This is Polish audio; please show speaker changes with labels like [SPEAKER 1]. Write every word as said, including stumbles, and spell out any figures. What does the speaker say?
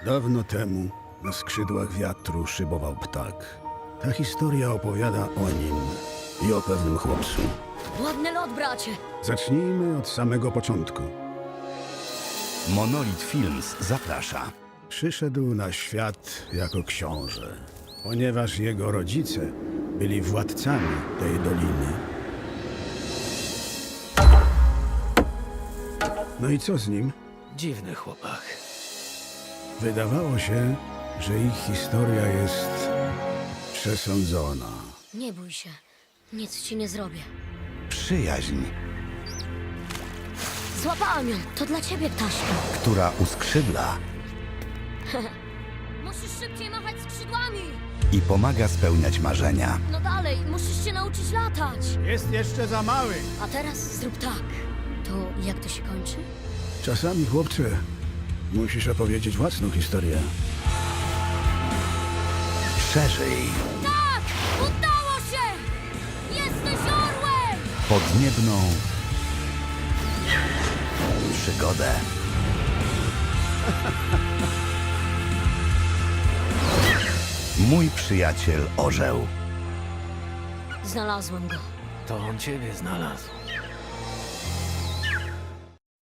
[SPEAKER 1] Dawno temu na skrzydłach wiatru szybował ptak. Ta historia opowiada o nim i o pewnym chłopcu.
[SPEAKER 2] Ładny lot, bracie.
[SPEAKER 1] Zacznijmy od samego początku.
[SPEAKER 3] Monolith Films zaprasza.
[SPEAKER 1] Przyszedł na świat jako książę, ponieważ jego rodzice byli władcami tej doliny. No i co z nim?
[SPEAKER 4] Dziwny chłopak.
[SPEAKER 1] Wydawało się, że ich historia jest przesądzona.
[SPEAKER 2] Nie bój się. Nic ci nie zrobię.
[SPEAKER 3] Przyjaźń,
[SPEAKER 2] Złapałam ją. To dla ciebie, ptaszku.
[SPEAKER 3] która uskrzydla
[SPEAKER 2] Musisz szybciej machać skrzydłami.
[SPEAKER 3] i pomaga spełniać marzenia.
[SPEAKER 2] No dalej, musisz się nauczyć latać.
[SPEAKER 1] Jest jeszcze za mały.
[SPEAKER 2] A teraz zrób tak. To jak to się kończy?
[SPEAKER 1] Czasami, chłopcze, musisz opowiedzieć własną historię.
[SPEAKER 3] Szerzej,
[SPEAKER 2] Tak! Udało się! Jesteś orłem!
[SPEAKER 3] podniebną przygodę. Mój przyjaciel orzeł.
[SPEAKER 2] Znalazłem go.
[SPEAKER 4] To on ciebie znalazł.